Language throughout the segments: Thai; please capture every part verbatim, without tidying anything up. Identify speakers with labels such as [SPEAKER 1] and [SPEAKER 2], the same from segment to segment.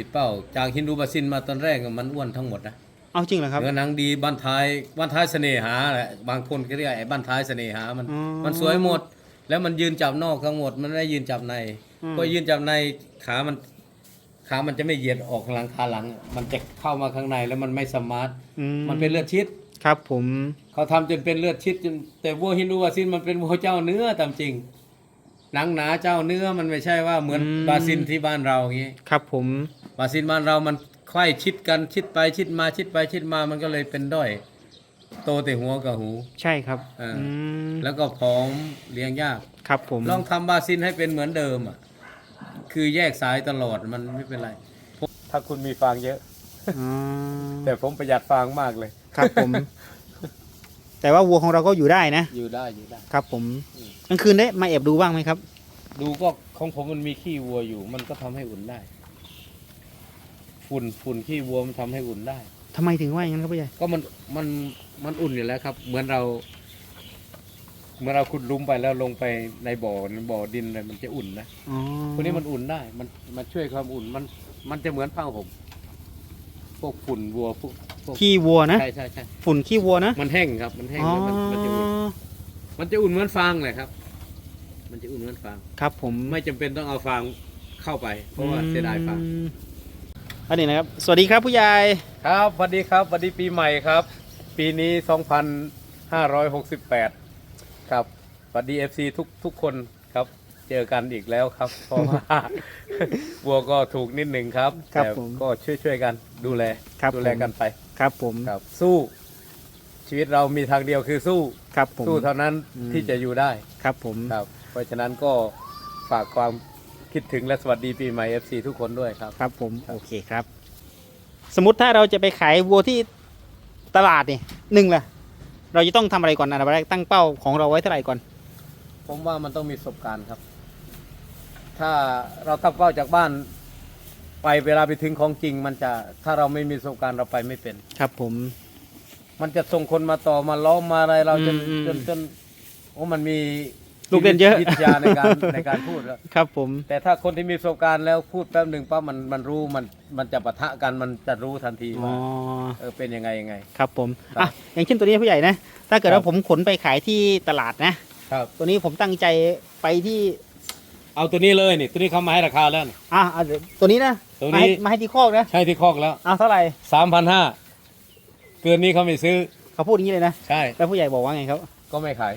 [SPEAKER 1] เป้าจากฮินดูบาซินมาตอนแรกมันอ้วนทั้งหมดนะ
[SPEAKER 2] เอาจริงเหรอครับ
[SPEAKER 1] เนื้อหนังดีบ้านท้ายบ้านท้ายเสน่หาแหละบางคนก็เรียกไอ้บ้านท้ายเสน่หามันมันสวยหมดแล้วมันยืนจับนอกทั้งหมดมันไม่ได้ยืนจับในพอยืนจับในขามันขามันจะไม่เหยียดออกหลังขาหลังมันจะเข้ามาข้างในแล้วมันไม่สมาร์ทมันเป็นเลือดชิด
[SPEAKER 2] ครับผม
[SPEAKER 1] เขาทำจนเป็นเลือดชิดจนแต่วัวฮินดูบาซินมันเป็นวัวเจ้าเนื้อตามจริงหนังหนาเจ้าเนื้อมันไม่ใช่ว่าเหมือนบาซินที่บ้านเราอย่างนี้
[SPEAKER 2] ครับผม
[SPEAKER 1] บาซินบ้านเรามันไขว้ชิดกันชิดไปชิดมาชิดไปชิดมามันก็เลยเป็นด้อยโตแต่หัวกับหู
[SPEAKER 2] ใช่ครับ
[SPEAKER 1] แล้วก็ผอมเลี้ยงยาก
[SPEAKER 2] ครับผม
[SPEAKER 1] ลองทำบาซินให้เป็นเหมือนเดิมอ่ะคือแยกสายตลอดมันไม่เป็นไรถ้าคุณมีฟางเยอะแต่ผมประหยัดฟางมากเลย
[SPEAKER 2] ครับผมแต่ว่าวัวของเราก็อยู่ได้นะ
[SPEAKER 1] อยู่ได้อยู่ได้
[SPEAKER 2] ครับผมกลางคืนได้มาแอบดูบ้างไหมครับ
[SPEAKER 1] ดูก็ของผมมันมีขี้วัวอยู่มันก็ทำให้อุ่นได้ฝุ่นฝุ่นขี้วัวมันทำให้อุ่นได้
[SPEAKER 2] ทำไมถึงว่าอย่างนั้นครับพี่ใหญ่
[SPEAKER 1] ก็มันมันมันอุ่นอยู่แล้วครับเหมือนเราเมื่อเราขุดลุมไปแล้วลงไปในบ่อบ่อดินเลยมันจะอุ่นนะพวกนี้มันอุ่นได้มันมันช่วยความอุ่นมันมันจะเหมือนผ้าห่มพวกฝุ่นวัวพวก
[SPEAKER 2] ขี้วัวนะ
[SPEAKER 1] ใช่ใช่ใช่
[SPEAKER 2] ฝุ่นขี้วัวนะ
[SPEAKER 1] มันแห้งครับมันแห้งแล้วมันมันจะอุ่นมันจะอุ่นเหมือนฟางเลยครับมันจะอุ่นเหมือนฟาง
[SPEAKER 2] ครับผม
[SPEAKER 1] ไม่จำเป็นต้องเอาฟางเข้าไปเพราะว่าเสียดายฟาง
[SPEAKER 2] อันนี้นะครับสวัสดีครับผู้ใหญ่
[SPEAKER 1] ครับสวัสดีครับสวัสดีปีใหม่ครับปีนี้สองพันห้าร้อยหกสิบแปดครับสวัสดี เอฟ ซี ทุกทุกคนครับเจอกันอีกแล้วครับเพราะว่าวัวก็ถูกนิดหนึ่งครับแต่ก็ช่วยช่วยกันดูแลดูแลกันไป
[SPEAKER 2] ครับผม
[SPEAKER 1] ครับสู้ชีวิตเรามีทางเดียวคือสู้
[SPEAKER 2] ครับผม
[SPEAKER 1] สู้เท่านั้นที่จะอยู่ได้
[SPEAKER 2] ครับผม
[SPEAKER 1] ครับเพราะฉะนั้นก็ฝากความคิดถึงและสวัสดีปีใหม่ เอฟ ซี ทุกคนด้วยครับ
[SPEAKER 2] ครับผมโอเคครับสมมติถ้าเราจะไปขายวัวที่ตลาดนี่หนึ่งล่ะเราจะต้องทำอะไรก่อนอันดับแรกตั้งเป้าของเราไว้เท่าไหร่ก่อน
[SPEAKER 1] ผมว่ามันต้องมีประสบการณ์ครับถ้าเราตั้งเป้าจากบ้านไปเวลาไปถึงของจริงมันจะถ้าเราไม่มีประสบการณ์เราไปไม่เป็น
[SPEAKER 2] ครับผม
[SPEAKER 1] มันจะส่งคนมาต่อมาล้อมมาอะไรเราจนจนจนโอ้มันมี
[SPEAKER 2] ลูกเล่นเยอะ
[SPEAKER 1] วิทยาในการในการพูดแล้ว
[SPEAKER 2] ครับผม
[SPEAKER 1] แต่ถ้าคนที่มีประสบการณ์แล้วพูดแป๊บหนึ่งปั๊บมันมันรู้มันมันจะปะทะกันมันจะรู้ทันทีว่าเออเป็นยังไงยังไง
[SPEAKER 2] ครับผมอ่ะอย่างเช่นตัวนี้ผู้ใหญ่นะถ้าเกิดว่าผมขนไปขายที่ตลาดนะครับตัวนี้ผมตั้งใจไปที่
[SPEAKER 1] เอาตัวนี้เลยนี่ตัวนี้เขามาให้ราคาแล้ว
[SPEAKER 2] อ่ะตัวนี้นะ
[SPEAKER 1] ตัวนี้
[SPEAKER 2] มาให้ที่คอกนะ
[SPEAKER 1] ใช่ที่คอกแล้ว
[SPEAKER 2] เอาเท่าไหร่
[SPEAKER 1] สามพันห้าเกินนี้เขาไม่ซื้อ
[SPEAKER 2] เขาพูดอย่างนี้เลยนะ
[SPEAKER 1] ใช่
[SPEAKER 2] แล้วผู้ใหญ่บอกว่าไงครับ
[SPEAKER 1] ก็ไม่ขาย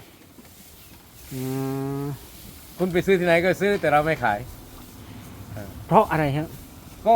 [SPEAKER 1] คุณไปซื้อที่ไหนก็ซื้อแต่เราไม่ขาย
[SPEAKER 2] เพราะอะไรครับ
[SPEAKER 1] ก็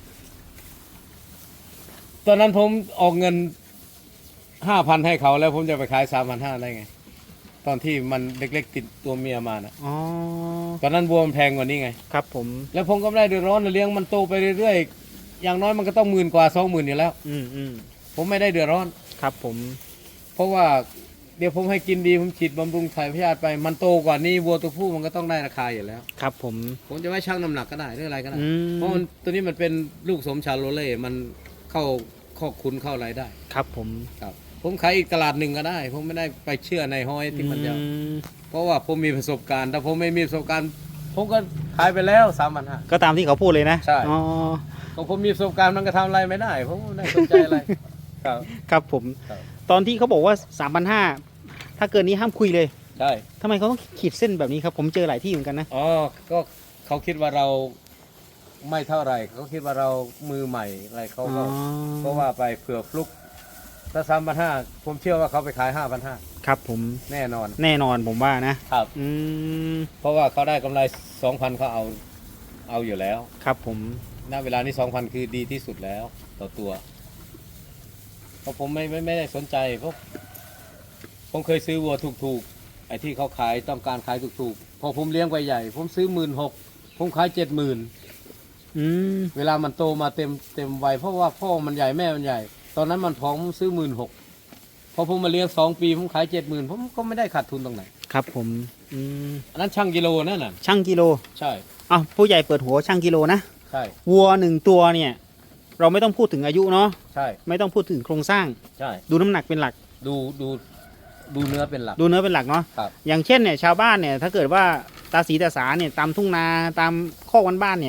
[SPEAKER 1] ตอนนั้นผมออกเงินห้าพันให้เขาแล้วผมจะไปขายสามพันห้าได้ไงตอนที่มันเล็กๆติดตัวเมียมานะ
[SPEAKER 2] อ๋อ
[SPEAKER 1] ตอนนั้นวัวมันแพงกว่านี้ไง
[SPEAKER 2] ครับผม
[SPEAKER 1] แล้วผมก็ไม่ได้เดือดร้อนเลี้ยงมันโตไปเรื่อยๆอย่างน้อยมันก็ต้องหมื่นกว่าสองหมื่นอยู่แล้ว
[SPEAKER 2] อืมอืม
[SPEAKER 1] ผมไม่ได้เดือดร้อน
[SPEAKER 2] ครับผม
[SPEAKER 1] เพราะว่าเดี๋ยวผมให้กินดีผมฉีดบำรุงถ่ายพยาธิไปมันโตกว่านี้วัวตัวผู้มันก็ต้องได้ราคาอยู่แล้ว
[SPEAKER 2] ครับผม
[SPEAKER 1] ผมจะไม่ชั่งน้ำหนักก็ได้หรืออะไรก็ได้เพราะมันตัวนี้มันเป็นลูกสมชาโรเล่มันเข้าข้อคุณเข้าอะไรได้
[SPEAKER 2] ครับผม
[SPEAKER 1] ครับผมขายอีกตลาดหนึ่งก็ได้ผมไม่ได้ไปเชื่อในห้อยที่มันจะเพราะว่าผมมีประสบการณ์ถ้าผมไม่มีประสบการณ์ผมก็ขายไปแล้วสามพันห้า
[SPEAKER 2] ก็ตามที่เขาพูดเลยนะ
[SPEAKER 1] ใช่ก็ผมมีประสบการณ์มันก็ทำอะไรไม่ได้ผมไม่ได้สนใจอะไรครับ
[SPEAKER 2] ครับผมตอนที่เขาบอกว่าสามพันห้าถ้าเกินนี้ห้ามคุยเลย
[SPEAKER 1] ใช่
[SPEAKER 2] ทำไมเขาต้องขีดเส้นแบบนี้ครับผมเจอหลายที่เหมือนกันนะ
[SPEAKER 1] อ๋อก็เขาคิดว่าเราไม่เท่าไหร่เขาคิดว่าเรามือใหม่อะไรเขาก็ก็ว่าไปเผื่อฟลุกถ้าสามพันห้าผมเชื่อว่าเขาไปขายห้าพันห้า
[SPEAKER 2] ครับผม
[SPEAKER 1] แน่นอน
[SPEAKER 2] แน่นอนผมว่านะครับ
[SPEAKER 1] อืมเพราะว่าเขาได้กำไรสองพันเขาเอาเอาอยู่แล้ว
[SPEAKER 2] ครับผม
[SPEAKER 1] ณเวลานี้สองพันคือดีที่สุดแล้วต่อตัวเพราะผมไม่ไม่ไม่ได้สนใจเพราะผมเคยซื้อวัวถูกๆไอ้ที่เขาขายต้องการขายถูกๆพอผมเลี้ยงไปใหญ่ผมซื้อหมื่นหกผมขายเจ็ดหมื่นเวลามันโตมาเต็มเต็มวัยเพราะว่าพ่อมันใหญ่แม่มันใหญ่ตอนนั้นมันท้องผมซื้อหมื่นหกพอผมมาเลี้ยงสองปีผมขายเจ็ดหมื่นผมก็ไม่ได้ขาดทุนตรงไหน
[SPEAKER 2] ครับผมอื
[SPEAKER 1] มอันนั้นช่างกิโลนั่นน่ะ
[SPEAKER 2] ช่างกิโล
[SPEAKER 1] ใช่
[SPEAKER 2] อ้าวผู้ใหญ่เปิดหัวช่างกิโลนะ
[SPEAKER 1] ใช่
[SPEAKER 2] วัวหนึ่งตัวเนี่ยเราไม่ต้องพูดถึงอายุเนาะ
[SPEAKER 1] ใช่
[SPEAKER 2] ไม่ต้องพูดถึงโครงสร้าง
[SPEAKER 1] ใช่
[SPEAKER 2] ดูน้ำหนักเป็นหลัก
[SPEAKER 1] ดูดูดูเนื้อเป็นหลัก
[SPEAKER 2] ดูเนื้อเป็นหลักเนาะอย่างเช่นเนี่ยชาวบ้านเนี่ยถ้าเกิดว่าตาสีตาสาเนี่ยตามทุ่งนาตามข้อวันบ้านเนี่ยจ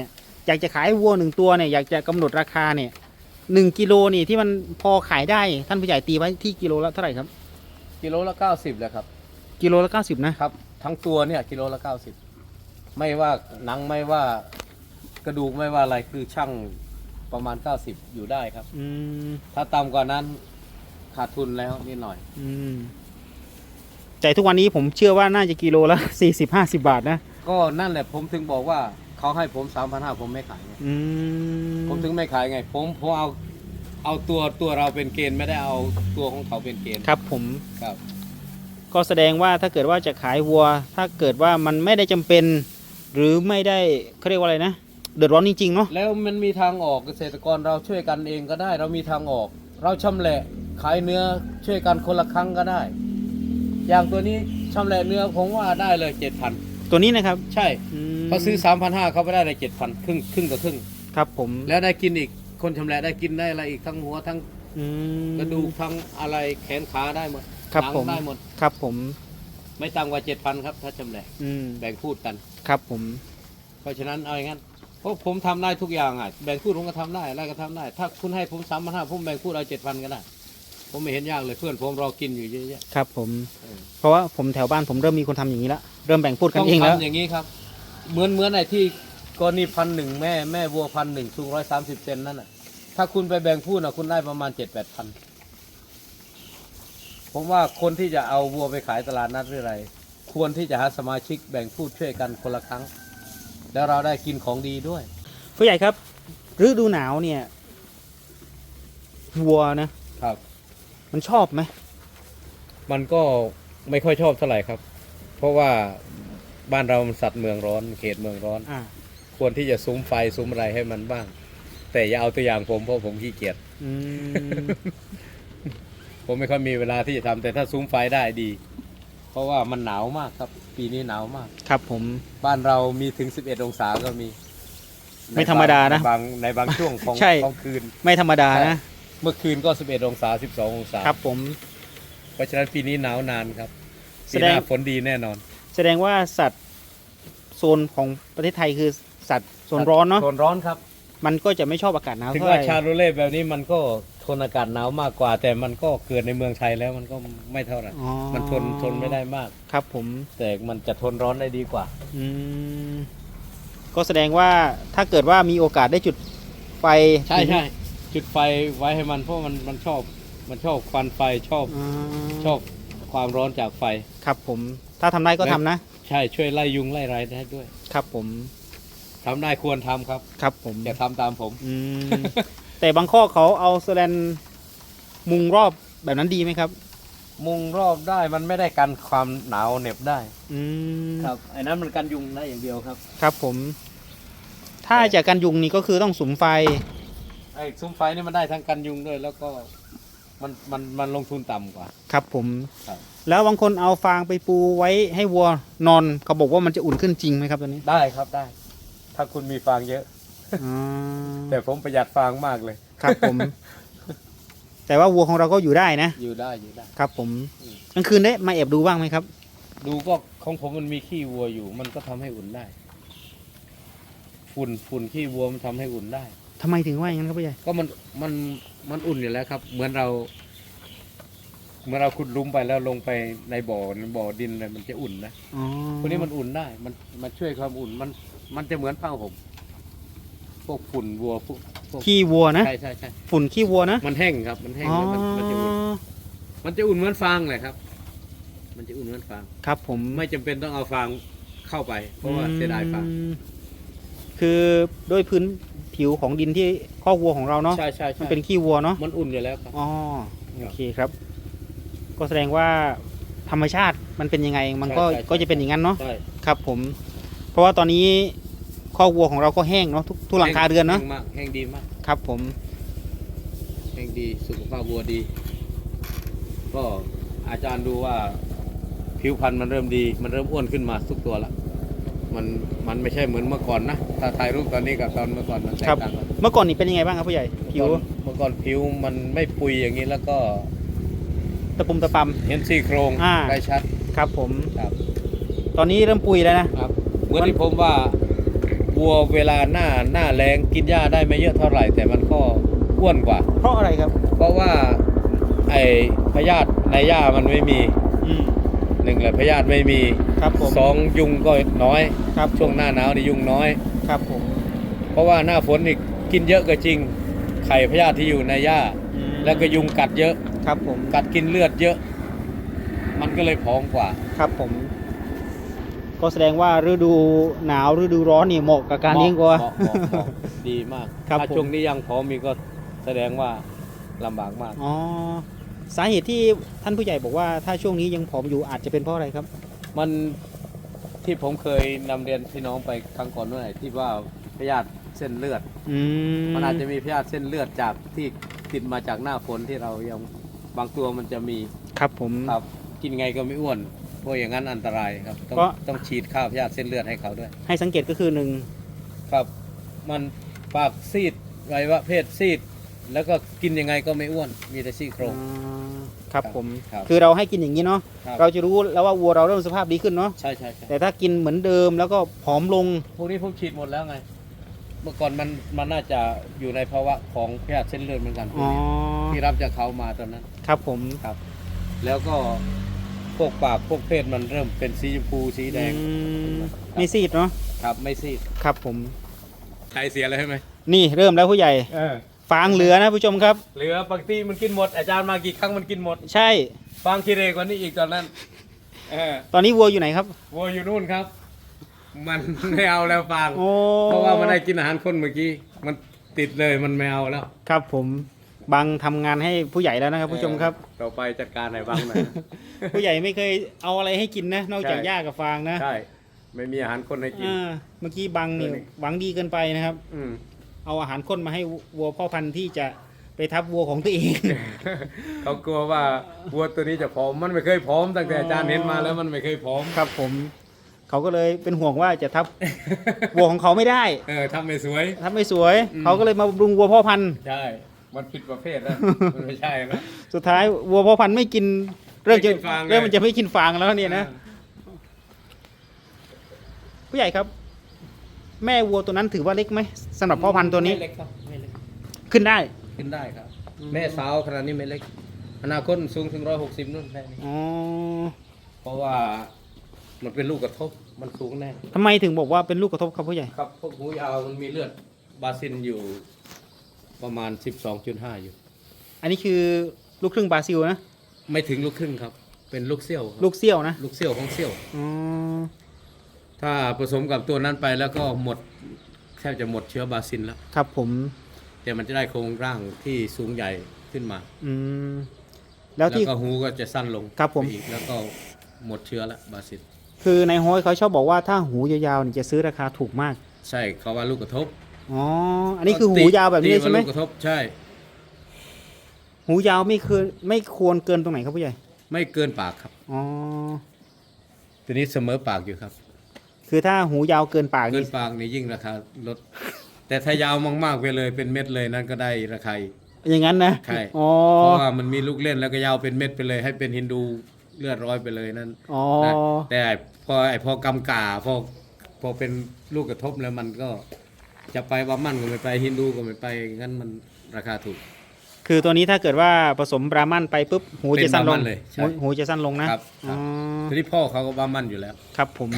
[SPEAKER 2] อยากจะขายวัวหนึ่งตัวเนี่ยอยากจะกำหนดราคาเนี่ยหนึ่งกิโลนี่ที่มันพอขายได้ท่านผู้ใหญ่ตีไว้ที่กิโลละเท่าไหร่ครับ
[SPEAKER 1] กิโลละเก้าสิบเลยครับ
[SPEAKER 2] กิโลละเก้าสิบนะครับ
[SPEAKER 1] ทั้งตัวเนี่ยกิโลละเก้าสิบไม่ว่าหนังไม่ว่ากระดูกไม่ว่าอะไรคือช่างประมาณเก้าสิบอยู่ได้ครับ
[SPEAKER 2] อืม
[SPEAKER 1] ถ้าต่ำกว่านั้นขาดทุนแล้วนิดหน่อย
[SPEAKER 2] อืมแต่ทุกวันนี้ผมเชื่อว่าน่าจะกิโลละสี่สิบห้าสิบบาทนะ
[SPEAKER 1] ก็นั่นแหละผมถึงบอกว่าเขาให้ผมสามพันห้าผมไม่ขายไง
[SPEAKER 2] อืม
[SPEAKER 1] ผมถึงไม่ขายไง ผมผมเอาเอาตัวตัวเราเป็นเกณฑ์ไม่ได้เอาตัวของเขาเป็นเกณฑ์
[SPEAKER 2] ครับผม
[SPEAKER 1] ครับ
[SPEAKER 2] ก็แสดงว่าถ้าเกิดว่าจะขายวัว ถ้าเกิดว่ามันไม่ได้จำเป็น หรือไม่ได้เขาเรียกว่าอะไรนะเดือดร้อนจริงๆเนาะ
[SPEAKER 1] แล้วมันมีทางออกเกษตรกรเราช่วยกันเองก็ได้ เรามีทางออก เราชำแหละขายเนื้อช่วยกันคนละครั้งก็ได้ อย่างตัวนี้ชำแหละเนื้อผมว่าได้เลยเจ็ดพัน
[SPEAKER 2] ตัวนี้นะครับ
[SPEAKER 1] ใช่
[SPEAKER 2] ม
[SPEAKER 1] เขาซื้อสามพันห้าเขาไปได้เลยเจ็ดพันครึ่งครึ่งกับครึ่ง
[SPEAKER 2] ครับผม
[SPEAKER 1] แล้วได้กินอีกคนชำแหละได้กินได้อะไรอีกทั้งหัวทั้ง
[SPEAKER 2] อืม
[SPEAKER 1] กระดูกทั้งอะไรแขนขาได้หมด
[SPEAKER 2] ครับ
[SPEAKER 1] หนัง
[SPEAKER 2] ผม
[SPEAKER 1] ได้หมด
[SPEAKER 2] ครับผม
[SPEAKER 1] ไม่ต่ำกว่าเจ็ดพันครับถ้าชำแหละ
[SPEAKER 2] อืม
[SPEAKER 1] แบ่งพูดกัน
[SPEAKER 2] ครับผม
[SPEAKER 1] เพราะฉะนั้นเอาอย่างนั้นเพราะผมทำได้ทุกอย่างอ่ะแบ่งพูดผมก็ทำได้อะไรก็ทำได้ ถ้าคุณให้ผมสามพันห้าผมแบ่งพูดเอาเจ็ดพันก็ได้ผมไม่เห็นยากเลยเพื่อนผมรอกินอยู่เยอะแยะ
[SPEAKER 2] ครับผม
[SPEAKER 1] เออ
[SPEAKER 2] เพราะว่าผมแถวบ้านผมเริ่มมีคนทำอย่างนี้แล้วเริ่มแบ่งพูดกัน
[SPEAKER 1] ต้อง
[SPEAKER 2] เองแล้ว
[SPEAKER 1] ทำอย่างนี้ครับ เหมือนเหมือนไอ้ที่กรณีพันหนึ่งแม่แม่วัวพันหนึ่งสูงร้อยสามสิบเซนนั่นแหะถ้าคุณไปแบ่งพูดนะคุณได้ประมาณเจ็ดแปดพันผมว่าคนที่จะเอาวัวไปขายตลาดนัดหรืออะไร ควรที่จะหาสมาชิกแบ่งพูดช่วยกันคนละครั้ง แล้วเราได้กินของดีด้วย
[SPEAKER 2] ผู้ใหญ่ครับฤดูหนาวเนี่ยวัวนะครับ มันชอบไหม
[SPEAKER 1] มันก็ไม่ค่อยชอบเท่าไหร่ครับ เพราะว่าบ้านเรามันสัตว์เมืองร้อนเขตเมืองร้อน
[SPEAKER 2] อ่า
[SPEAKER 1] ควรที่จะซุ้มไฟซุ้มอะไรให้มันบ้าง แต่อย่าเอาตัวอย่างผมเพราะผมขี้เกียจ
[SPEAKER 2] อืม
[SPEAKER 1] ผมไม่ค่อยมีเวลาที่จะทำแต่ถ้าซุ้มไฟได้ดี เพราะว่ามันหนาวมากครับ ปีนี้หนาวมาก
[SPEAKER 2] ครับผม
[SPEAKER 1] บ้านเรามีถึงสิบเอ็ดองศาก็มี
[SPEAKER 2] ไม่ธรรมดานะ
[SPEAKER 1] ในบางในบางช่วงของ
[SPEAKER 2] ใช่
[SPEAKER 1] ของคืน
[SPEAKER 2] ไม่ธรรมดานะ
[SPEAKER 1] เมื่อคืนก็สิบเอ็ดองศาสิบสององศา
[SPEAKER 2] ครับผม
[SPEAKER 1] เพราะฉะนั้นปีนี้หนาวนานครับ
[SPEAKER 2] แส
[SPEAKER 1] ปี
[SPEAKER 2] ด
[SPEAKER 1] ห
[SPEAKER 2] ง
[SPEAKER 1] น้าฝนดีแน่นอน
[SPEAKER 2] แสดงว่าสัตว์โซนของประเทศไทยคือสัตว์โซนร้อนเนาะ
[SPEAKER 1] โซนร้อนครับ
[SPEAKER 2] มันก็จะไม่ชอบอากาศหนาว
[SPEAKER 1] ถึง
[SPEAKER 2] เท่าไห
[SPEAKER 1] ว่า
[SPEAKER 2] ร่
[SPEAKER 1] ชาโรเล่แบบนี้มันก็ทนอากาศหนาวมากกว่า แต่มันก็เกิดในเมืองไทยแล้วมันก็ไม่เท่าไหร่
[SPEAKER 2] อ๋อ
[SPEAKER 1] มันทนทนไม่ได้มาก
[SPEAKER 2] ครับผม
[SPEAKER 1] แต่มันจะทนร้อนได้ดีกว่า
[SPEAKER 2] อืมก็แสดงว่าถ้าเกิดว่ามีโอกาสได้จุดไฟ
[SPEAKER 1] ใช่ใช่จุดไฟไว้ให้มันเพราะมันมันชอบมันชอบควันไฟชอบ
[SPEAKER 2] อ่า
[SPEAKER 1] ชอบความร้อนจากไฟ
[SPEAKER 2] ครับผม ถ้าทำได้ก็ทำนะ
[SPEAKER 1] ใช่ช่วยไล่ยุงไล่ไรได้ด้วย
[SPEAKER 2] ครับผม
[SPEAKER 1] ทำได้ควรทำครับ
[SPEAKER 2] ครับผม
[SPEAKER 1] อย่าทำตามผม
[SPEAKER 2] อืม แต่บางข้อเขาเอาแสแลนมุงรอบแบบนั้นดีไหมครับ
[SPEAKER 1] มุงรอบได้มันไม่ได้กันความหนาวเหน็บได้
[SPEAKER 2] อืม
[SPEAKER 1] ครับไอ้นั้นมันกันยุงได้อย่างเดียวครับ
[SPEAKER 2] ครับผม ถ้าจากการยุงนี่ก็คือต้องสุมไฟ
[SPEAKER 1] ไอ้ซุ้มไฟนี่มันได้ทั้งกันยุงด้วย แล้วก็มันมันมันลงทุนต่ำกว่า
[SPEAKER 2] ครับผม
[SPEAKER 1] ครับ
[SPEAKER 2] แล้วบางคนเอาฟางไปปูไว้ให้วัวนอนเขาบอกว่ามันจะอุ่นขึ้นจริงไหมครับตัวนี้
[SPEAKER 1] ได้ครับได้ ถ้าคุณมีฟางเยอะ
[SPEAKER 2] อ๋อ
[SPEAKER 1] แต่ผมประหยัดฟางมากเลย
[SPEAKER 2] ครับผม แต่ว่าวัวของเราก็อยู่ได้นะ
[SPEAKER 1] อยู่ได้อยู่ได้
[SPEAKER 2] ครับผม
[SPEAKER 1] อืม
[SPEAKER 2] กลางคืนได้มาแอบดูบ้างไหมครับ
[SPEAKER 1] ดูก็ของผมมันมีขี้วัวอยู่ มันก็ทำให้อุ่นได้ ฝุ่นฝุ่นขี้วัวมันทำให้อุ่นได้
[SPEAKER 2] ทำไมถึงว่าอย่างนั้นครับพี่ใหญ่
[SPEAKER 1] ก็มันมันมันอุ่นอยู่แล้วครับ เหมือนเราเหมื่อนเราขุดหลุมไปแล้วลงไปในบ่อบ่อดินเลยมันจะอุ่นนะ
[SPEAKER 2] อ๋อ
[SPEAKER 1] พวกนี้มันอุ่นได้ มันมันช่วยความอุ่นมันมันจะเหมือนผ้าห่มพวกฝุ่นวัวพวกพวก
[SPEAKER 2] ขี้วัวนะ
[SPEAKER 1] ใช่ใช่ใช่
[SPEAKER 2] ฝุ่นขี้วัวนะ
[SPEAKER 1] มันแห้งครับ มันแห้ง
[SPEAKER 2] อ๋อ
[SPEAKER 1] แล้วมันมันจะอุ่นมันจะอุ่นเหมือนฟางเลยครับ มันจะอุ่นเหมือนฟาง
[SPEAKER 2] ครับผม
[SPEAKER 1] ไม่จำเป็นต้องเอาฟางเข้าไป เพราะว่าเสียดายฟาง
[SPEAKER 2] อืมคือด้วยพื้นผิวของดินที่ข้อกวัวของเราเนาะ
[SPEAKER 1] ใช่ใช่
[SPEAKER 2] มัน
[SPEAKER 1] ใช่
[SPEAKER 2] เป็นขี้วัวเนาะ
[SPEAKER 1] มันอุ่นอยู่แล้วครับ
[SPEAKER 2] อ๋อ
[SPEAKER 1] ครั
[SPEAKER 2] โอบ เคครับ ก็แสดงว่าธรรมชาติมันเป็นยังไง มันก็
[SPEAKER 1] ใช่ใช่ใช่
[SPEAKER 2] ก็จะเป็นอย่างนั้นเนาะ
[SPEAKER 1] ใช่
[SPEAKER 2] ครับผม เพราะว่าตอนนี้ข้อกวัวของเราก็แห้งเนาะทุกทุกหลังคาเรือนเนาะ
[SPEAKER 1] แห้งมากแห้งดีมาก
[SPEAKER 2] ครับผม
[SPEAKER 1] แห้งดีสุขภาพวัวดี ก็อาจารย์ดูว่า ผิวพรรณมันเริ่มดี มันเริ่มอ้วนขึ้นมาทุกตัวละมันมันไม่ใช่เหมือนเมื่อก่อนนะถ้าถ่ายรูปตอนนี้กับตอนเมื่อก่อนมันแตก
[SPEAKER 2] ครับ
[SPEAKER 1] ต่างกัน
[SPEAKER 2] เมื่อก่อนนี่เป็นยังไงบ้างครับผู้ใหญ่ผิว
[SPEAKER 1] เมื่อก่อนผิวมันไม่ปุยอย่างนี้แล้วก็
[SPEAKER 2] ตะปุ่มตะป
[SPEAKER 1] เห็นซี่โครง
[SPEAKER 2] อ่า
[SPEAKER 1] ได้ชัด
[SPEAKER 2] ำครับผม
[SPEAKER 1] ครับ
[SPEAKER 2] ตอนนี้เริ่มปุยแล้วนะครับ
[SPEAKER 1] เหมือนที่ผมว่าวัวเวลาหน้าหน้าแรงกินหญ้าได้ไม่เยอะเท่าไหร่ แต่มันก็อ้วนกว่า
[SPEAKER 2] เพราะอะไรครับ
[SPEAKER 1] เพราะว่าไอ้พยาธิในหญ้ามันไม่มี
[SPEAKER 2] อืม
[SPEAKER 1] หนึ่งแหละพยาธิไม่มี
[SPEAKER 2] ครับผม
[SPEAKER 1] สองยุงก็น้อย
[SPEAKER 2] ครับ
[SPEAKER 1] ช่วงหน้าหนาวนี่ยุงน้อย
[SPEAKER 2] ครับผม
[SPEAKER 1] เพราะว่าหน้าฝนนี่กินเยอะก็จริง ไข่พยาธิที่อยู่ในหญ้า
[SPEAKER 2] อืม
[SPEAKER 1] แล้วก็ยุงกัดเยอะ
[SPEAKER 2] ครับผม
[SPEAKER 1] กัดกินเลือดเยอะ มันก็เลยผอมกว่า
[SPEAKER 2] ครับผม ก็แสดงว่าฤดูหนาวฤดูร้อนนี่เหมาะกับการเลี้ยงวัว
[SPEAKER 1] เหมาะเหมาะเหมาะดีมาก
[SPEAKER 2] ครับ
[SPEAKER 1] ถ้า
[SPEAKER 2] ผม
[SPEAKER 1] ช่วงนี้ยังผอมมีก็แสดงว่าลำบากมาก
[SPEAKER 2] อ๋อสาเหตุที่ท่านผู้ใหญ่บอกว่าถ้าช่วงนี้ยังผอมอยู่อาจจะเป็นเพราะอะไรครับ
[SPEAKER 1] มันที่ผมเคยนำเรียนพี่น้องไปครั้งก่อนเมื่อไหร่ที่ว่าพยาธิเส้นเลือด
[SPEAKER 2] อืม
[SPEAKER 1] มันอาจจะมีพยาธิเส้นเลือดจากที่ติดมาจากหน้าฝนที่เรายังบางตัวมันจะมี
[SPEAKER 2] ครับผม
[SPEAKER 1] ครับกินไงก็ไม่อ้วนเพราะอย่างนั้นอันตรายครับต้อง
[SPEAKER 2] เพราะ
[SPEAKER 1] ต้องฉีดข้าวพยาธิเส้นเลือดให้เขาด้วย
[SPEAKER 2] ให้สังเกตก็คือหนึ่ง
[SPEAKER 1] ครับมันปากซีดไวัยวะเพศซีด แล้วก็กินยังไงก็ไม่อ้วน มีแต่ซี่โครง
[SPEAKER 2] อ่าครับผม
[SPEAKER 1] ครับ
[SPEAKER 2] คือเราให้กินอย่างนี้เนาะ
[SPEAKER 1] ครับ
[SPEAKER 2] เราจะรู้แล้วว่าวัวเราเริ่มสภาพดีขึ้นเนาะ
[SPEAKER 1] ใช่ใช่ใช่
[SPEAKER 2] แต่ถ้ากินเหมือนเดิมแล้วก็ผอมลง
[SPEAKER 1] พวกนี้ผมฉีดหมดแล้วไง เมื่อก่อนมันมันน่าจะอยู่ในภาวะของพยาธิเส้นเลือดเหมือนกันพว
[SPEAKER 2] อ๋
[SPEAKER 1] ก
[SPEAKER 2] อ
[SPEAKER 1] นี้ที่รับจากเขามาตอนนั้น
[SPEAKER 2] ครับผม
[SPEAKER 1] ครับ แล้วก็พวกปากพวกเพศมันเริ่มเป็นสีชมพูสีแดง
[SPEAKER 2] อืมไม่ซีดเนาะ
[SPEAKER 1] ครับไม่ซีด
[SPEAKER 2] ครับผม
[SPEAKER 1] ใครเสียเลยใช่ไหม
[SPEAKER 2] นี่เริ่มแล้วผู้ใหญ่
[SPEAKER 1] เออ
[SPEAKER 2] ฟางเหลือนะผู้ชมครับ
[SPEAKER 1] เหลือบางทีมันกินหมดอาจารย์มากี่ครั้งมันกินหมด
[SPEAKER 2] ใช่
[SPEAKER 1] ฟางคิเรกว่านี้อีกตอนนั้นเออ
[SPEAKER 2] ตอนนี้วัวอยู่ไหนครับ
[SPEAKER 1] วัวอยู่นู่นครับ มัน ไม่เอาแล้วฟาง
[SPEAKER 2] โอ้
[SPEAKER 1] เพราะว่ามันได้กินอาหารคนเมื่อกี้มันติดเลยมันไม่เอาแล้ว
[SPEAKER 2] ครับผมบังทำงานให้ผู้ใหญ่แล้วนะครับผู้ชมครับ
[SPEAKER 1] เออต่อไปจัดการไหนบ้างนะ
[SPEAKER 2] ผู้ใหญ่ไม่เคยเอาอะไรให้กินนะ นอกจาก
[SPEAKER 1] ใช่
[SPEAKER 2] หญ้ากับฟางนะ
[SPEAKER 1] ใช่ไม่มีอาหารคนให้กิน
[SPEAKER 2] อ่าเมื่อกี้บังนี่
[SPEAKER 1] ตัวนี้
[SPEAKER 2] หวังดีเกินไปนะครับ
[SPEAKER 1] อืม
[SPEAKER 2] เอาอาหารข้นมาให้วัวพ่อพันธุ์ที่จะไปทับวัวของตัวเอง
[SPEAKER 1] เขากลัวว่าวัวตัวนี้จะผอมมันไม่เคยผอมตั้งแต่อาจารย์เห็นมาแล้วมันไม่เคยผอม
[SPEAKER 2] ครับผม เขาก็เลยเป็นห่วงว่าจะทับ วัวของเขาไม่ได้
[SPEAKER 1] เออทำไม่สวย
[SPEAKER 2] ทับไม่สวย
[SPEAKER 1] อืม
[SPEAKER 2] เขาก็เลยมาบำรุงวัวพ่อพันธุ์
[SPEAKER 1] ใช่ มันผิดประเภทแล้ว มันไม่ใช่นะ
[SPEAKER 2] สุดท้ายวัวพ่อพันธุ์ไม่กินเริ่มจะ
[SPEAKER 1] ไม่กินฟางเลย
[SPEAKER 2] เริ่มมันจะไม่กินฟางแล้วเนี่ยนะ ผู้ใหญ่ครับ แม่วัวตัวนั้นถือว่าเล็กไหมสำหรับพ่อพันธุ์ตัวนี้
[SPEAKER 1] ไม่เล็กครับไม่เล็ก
[SPEAKER 2] ขึ้นได้
[SPEAKER 1] ขึ้นได้ครับ
[SPEAKER 2] อืม
[SPEAKER 1] แม่สาวขนาดนี้ไม่เล็ก อนาคตสูงถึงร้อยหกสิบนู่นแค่นี้
[SPEAKER 2] อ๋อ
[SPEAKER 1] เพราะว่ามันเป็นลูกกระทบมันสูงแน่
[SPEAKER 2] ทำไมถึงบอกว่าเป็นลูกกระทบครับผู้ใหญ่
[SPEAKER 1] ครับพวกหูยาวมันมีเลือดบาซินอยู่ประมาณ สิบสองจุดห้า อยู่
[SPEAKER 2] อันนี้คือลูกครึ่งบราซิลนะ
[SPEAKER 1] ไม่ถึงลูกครึ่งครับ เป็นลูกเซี่ยวครับ
[SPEAKER 2] ลูกเซี่ยวนะ
[SPEAKER 1] ลูกเซี่ยวของเซี่ยว
[SPEAKER 2] อ๋อ
[SPEAKER 1] ถ้าผสมกับตัวนั้นไปแล้วก็หมดแทบจะหมดเชื้อบาซินแล้ว
[SPEAKER 2] ครับผม
[SPEAKER 1] แต่มันจะได้โครงร่างที่สูงใหญ่ขึ้นมา
[SPEAKER 2] อืมแล้
[SPEAKER 1] แล้ว ว
[SPEAKER 2] ที่
[SPEAKER 1] ก็หูก็จะสั้นลง
[SPEAKER 2] ครับผม
[SPEAKER 1] ไปอีกแล้วก็หมดเชื้อแล้วบาซิน
[SPEAKER 2] คือในโฮยเขาชอบบอกว่าถ้าหูยาวๆนี่จะซื้อราคาถูกมาก
[SPEAKER 1] ใช่เขาว่าลูกกระทบ
[SPEAKER 2] อ๋อ อันนี้คือหูยาวแบบนี้เลยใช่ไหม
[SPEAKER 1] ตีาลูกกระทบใช่
[SPEAKER 2] หูยาวไม่คือไม่ควรเกินตรงไหนครับผู้ใหญ่
[SPEAKER 1] ไม่เกินปากครับ
[SPEAKER 2] อ๋อ
[SPEAKER 1] ตัวนี้เสมอปากอยู่ครับ
[SPEAKER 2] คือถ้าหูยาวเกินปาก
[SPEAKER 1] เกิ
[SPEAKER 2] นี่
[SPEAKER 1] นปากนี่ยิ่งราคาลด แต่ถ้ายาวมากๆไปเลยเป็นเม็ดเลยนั่นก็ได้ราคาอีก
[SPEAKER 2] อย่างนั้นนะ
[SPEAKER 1] ใช่
[SPEAKER 2] อ๋อ
[SPEAKER 1] เพราะว่ามันมีลูกเล่นแล้วก็ยาวเป็นเม็ดไปเลย ให้เป็นฮินดูเลือดร้อยไปเลยนั่น
[SPEAKER 2] อ๋อ
[SPEAKER 1] นะแต่พอไอพอกำกาพอพอเป็นลูกกระทบแล้วมันก็จะไปบามันก็ไม่ไปฮินดูก็ไม่ไปงั้นมันราคาถูก
[SPEAKER 2] คือตัวนี้ถ้าเกิดว่าผสมบราหมันไปปุ๊บหูจะสั้นล
[SPEAKER 1] เป็นบราหมั่
[SPEAKER 2] ง
[SPEAKER 1] นเลยใช่
[SPEAKER 2] หูหูจะสั้นลงนะครับ
[SPEAKER 1] ครับ
[SPEAKER 2] อ๋อ
[SPEAKER 1] ทีนี้พ่อเขาก็บามันอยู่แล้ว
[SPEAKER 2] ครับผม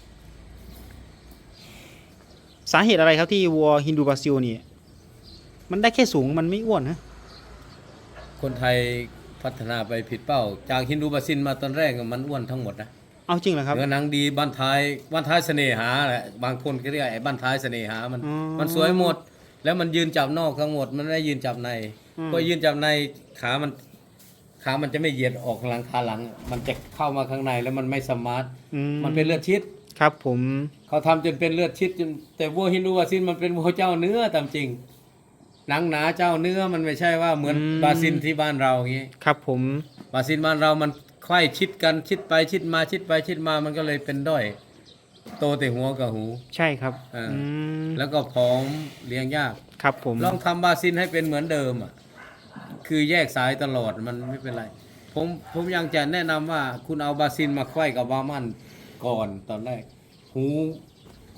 [SPEAKER 2] สาเหตุอะไรครับที่วัวฮินดูบราซิลนี่มันได้แค่สูงมันไม่อ้วนนะ
[SPEAKER 1] คนไทยพัฒนาไปผิดเป้า จากฮินดูบาซินมาตอนแรกอะมันอ้วนทั้งหมดนะ
[SPEAKER 2] เอาจริงเหรอครับ
[SPEAKER 1] เนื้อหนังดีบ้านท้ายบ้านท้ายเสน่หาแหละบางคนก็เรียกไอ้บ้านท้ายเสน่หามัน
[SPEAKER 2] อ๋อ
[SPEAKER 1] มันสวยหมด แล้วมันยืนจับนอกทั้งหมด มันไม่ได้ยืนจับใน
[SPEAKER 2] อืม
[SPEAKER 1] พอยืนจับในขามันขามันจะไม่เหยียดออกหลังขาหลัง มันจะเข้ามาข้างในแล้วมันไม่สมาร์ท
[SPEAKER 2] อื
[SPEAKER 1] มันเป็นเลือดชิด
[SPEAKER 2] ครับผม
[SPEAKER 1] เขาทำจนเป็นเลือดชิดจนแต่วัวฮินดูบาซินมันเป็นวัวเจ้าเนื้อตามจริง หนังหนาเจ้าเนื้อมันไม่ใช่ว่าเหมือนบาซินที่บ้านเราอย่างนี้
[SPEAKER 2] ครับผม
[SPEAKER 1] บาซินบ้านเรามันไขว้ชิดกันชิดไปชิดมาชิดไปชิดมามันก็เลยเป็นด้อย โตแต่หัวกับหู
[SPEAKER 2] ใช่ครับ
[SPEAKER 1] อ่า
[SPEAKER 2] อืม
[SPEAKER 1] แล้วก็ผอมเลี้ยงยาก
[SPEAKER 2] ครับผม
[SPEAKER 1] ลองทำบาซินให้เป็นเหมือนเดิมอ่ะคือแยกสายตลอดมันไม่เป็นไร ผมผมยังจะแนะนำว่าคุณเอาบาซินมาไขว้กับบามันก่อนตอนแรก หูข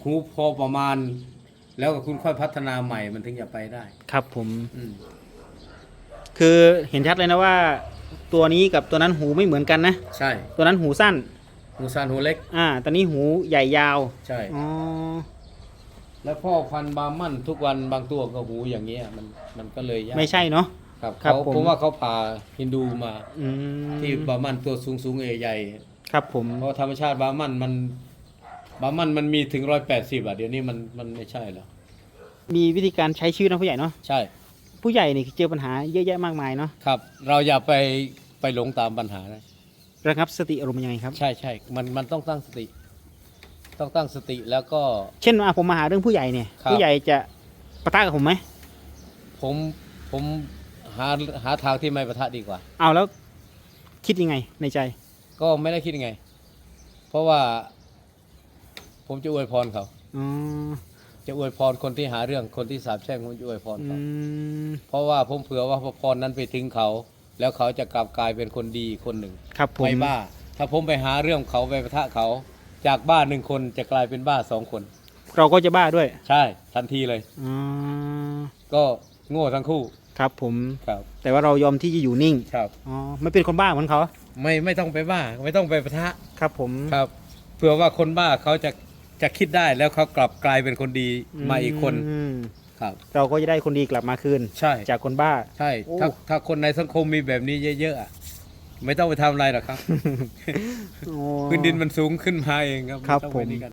[SPEAKER 1] หูพอประมาณ แล้วก็คุณค่อยพัฒนาใหม่มันถึงจะไปได้
[SPEAKER 2] ครับผม
[SPEAKER 1] อืม
[SPEAKER 2] คือเห็นชัดเลยนะว่า ตัวนี้กับตัวนั้นหูไม่เหมือนกันนะ
[SPEAKER 1] ใช่
[SPEAKER 2] ตัวนั้นหูสั้น
[SPEAKER 1] หูสั้นหูเล็ก
[SPEAKER 2] อ่าตอนนี้หูใหญ่ยาว
[SPEAKER 1] ใช่
[SPEAKER 2] อ๋อ
[SPEAKER 1] แล้วพ่อพันธุ์บาร์มันทุกวันบางตัวก็หูอย่างเงี้ยมันมันก็เลยยาก
[SPEAKER 2] ไม่ใช่เนาะ
[SPEAKER 1] ครับ
[SPEAKER 2] ครับ
[SPEAKER 1] เขา
[SPEAKER 2] ผม
[SPEAKER 1] ผมว่าเขาพาฮินดูมา
[SPEAKER 2] อืม
[SPEAKER 1] ที่บาร์มันตัวสูงสูงใหญ่
[SPEAKER 2] ครับผม
[SPEAKER 1] ๆเพราะธรรมชาติบาร์มันมันบาร์มันมันมีถึงร้อยแปดสิบอ่ะเดี๋ยวนี้มันมันไม่ใช่แล้ว
[SPEAKER 2] มีวิธีการใช้ชีวิตนะผู้ใหญ่เนาะ
[SPEAKER 1] ใช่
[SPEAKER 2] ผู้ใหญ่นี่เจอปัญหาเยอะแยะมากมายเนาะ
[SPEAKER 1] ครับ เราอย่าไปไปหลงตามปัญหานะ
[SPEAKER 2] ระงับสติอารมณ์ยังไงครับ
[SPEAKER 1] ใช่ใช่มันมันต้องตั้งสติ ต้องตั้งสติแล้วก็
[SPEAKER 2] เช่นว่าผมมาหาเรื่องผู้ใหญ่เนี่ย
[SPEAKER 1] ครับ
[SPEAKER 2] ผู้ใหญ่จะปะทะกับผมไหม
[SPEAKER 1] ผมผมหาหาทางที่ไม่ประทะดีกว่า
[SPEAKER 2] เอาแล้วคิดยังไงในใจ
[SPEAKER 1] ก็ไม่ได้คิดยังไง เพราะว่า ผมจะอวยพรเขา
[SPEAKER 2] อ๋อ
[SPEAKER 1] จะอวยพรคนที่หาเรื่องคนที่สาปแช่งผมจะอวยพร
[SPEAKER 2] อื
[SPEAKER 1] เขา
[SPEAKER 2] ม
[SPEAKER 1] เพราะว่าผมเผื่อว่าพรนั้นไปถึงเขา แล้วเขาจะกลับกลายเป็นคนดีคนหนึ่ง
[SPEAKER 2] ครับผม
[SPEAKER 1] ไม่บ้า ถ้าผมไปหาเรื่องเขาไปประทะเขา จากบ้าหนึ่งคนจะกลายเป็นบ้าสองคน
[SPEAKER 2] เราก็จะบ้าด้วย
[SPEAKER 1] ใช่ทันทีเลย
[SPEAKER 2] อ๋อ
[SPEAKER 1] ก็โง่ทั้งคู่
[SPEAKER 2] ครับผม
[SPEAKER 1] ครับ
[SPEAKER 2] แต่ว่าเรายอมที่จะอยู่นิ่ง
[SPEAKER 1] ครับ
[SPEAKER 2] อ๋อไม่เป็นคนบ้าเหมือนเขา
[SPEAKER 1] ไม่ไม่ต้องไปบ้า ไม่ต้องไปประทะ
[SPEAKER 2] ครับผม
[SPEAKER 1] ครับเผื่อว่าคนบ้าเขาจะจะคิดได้แล้วเขากลับกลายเป็นคนดีมาอีกคน
[SPEAKER 2] ม
[SPEAKER 1] ครับ
[SPEAKER 2] เราก็จะได้คนดีกลับมาคืน
[SPEAKER 1] ใช่
[SPEAKER 2] จากคนบ้า
[SPEAKER 1] ใช่
[SPEAKER 2] โอ้
[SPEAKER 1] ถ้าถ้าคนในสังคมมีแบบนี้เยอะๆอะไม่ต้องไปทำอะไรหรอกครับ
[SPEAKER 2] โอ้
[SPEAKER 1] พื้นดินมันสูงขึ้นมาเองครับ
[SPEAKER 2] ครับ
[SPEAKER 1] ไต้อง
[SPEAKER 2] ผ
[SPEAKER 1] ไป
[SPEAKER 2] ม
[SPEAKER 1] นี่กัน